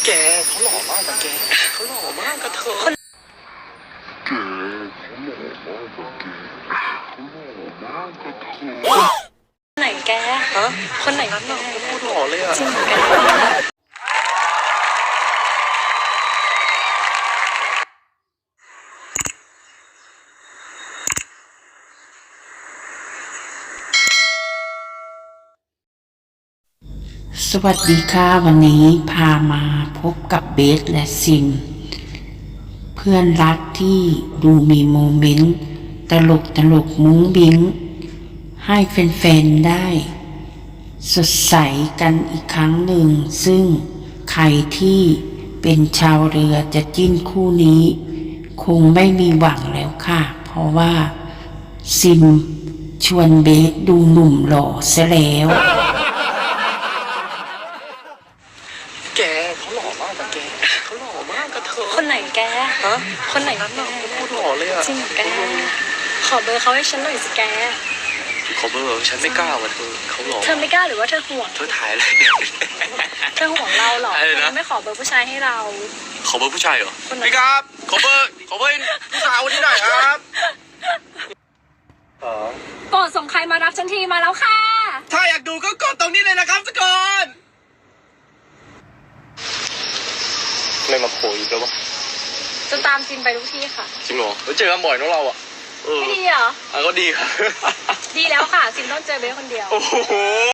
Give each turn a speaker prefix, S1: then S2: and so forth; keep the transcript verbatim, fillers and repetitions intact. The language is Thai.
S1: แกเขาหล่อมากแต่แกเขาหล่อมากกระเทยแกเขาหล่อมากแต่แกเขาหล่อมากกระเทย
S2: คนไหนแกฮะคนไหน
S1: นั้นน่ะเขาพูดหล่อเลยอะ
S2: จริงแก
S3: สวัสดีค่ะวันนี้พามาพบกับเบสและซิมเพื่อนรักที่ดูมีโมเมนต์ตลกตลกมุ้งบิ้งให้แฟนๆได้สดใสกันอีกครั้งหนึ่งซึ่งใครที่เป็นชาวเรือจะจิ้นคู่นี้คงไม่มีหวังแล้วค่ะเพราะว่าซิมชวนเบสดูหนุ่มหล่อซะแล้ว
S1: แกเขาหล่อมากแต่แกเขาหล่อมากกระเทย
S2: คนไหนแก
S1: ฮะ
S2: คนไหน
S1: นั้นน่ะเขาพูดหล่อเลยอะ
S2: จริงแกขอเบอร์เขาให้ฉันหน่อยสิแก
S1: ขอเบอร์ฉันไม่กล้าว่ะเธอเขาหล่อ
S2: เธอไม่กล้าหรือว่าเธอห่วง
S1: เธอถ่ายอะไร
S2: เธอห่วงเราหรอเธอไม่ขอเบอร์ผู้ชายให้เรา
S1: ขอเบอร์ผู้ชายเหรอพี่ครับขอเบอร์ขอเบอร์ผู้ชายคนนี้หน่อยครับ
S2: โปรดส่งใครมารับฉันทีมาแล้วค่ะ
S1: ถ้าอยากดูก็กดตรงนี้เลยนะครับทุกคนไม่มาโผล่อีกแล้ววะ
S2: จะตามซิมไปทุกที่ค่ะ
S1: จริงเหรอเจอกันบ่อยน้องเราอ่ะ
S2: ไม่ดีเหรอ
S1: อ่ะก็ดีครับ
S2: ดีแล้วค่ะซิมต้องเจอเบสคนเดียว
S1: โอ้โห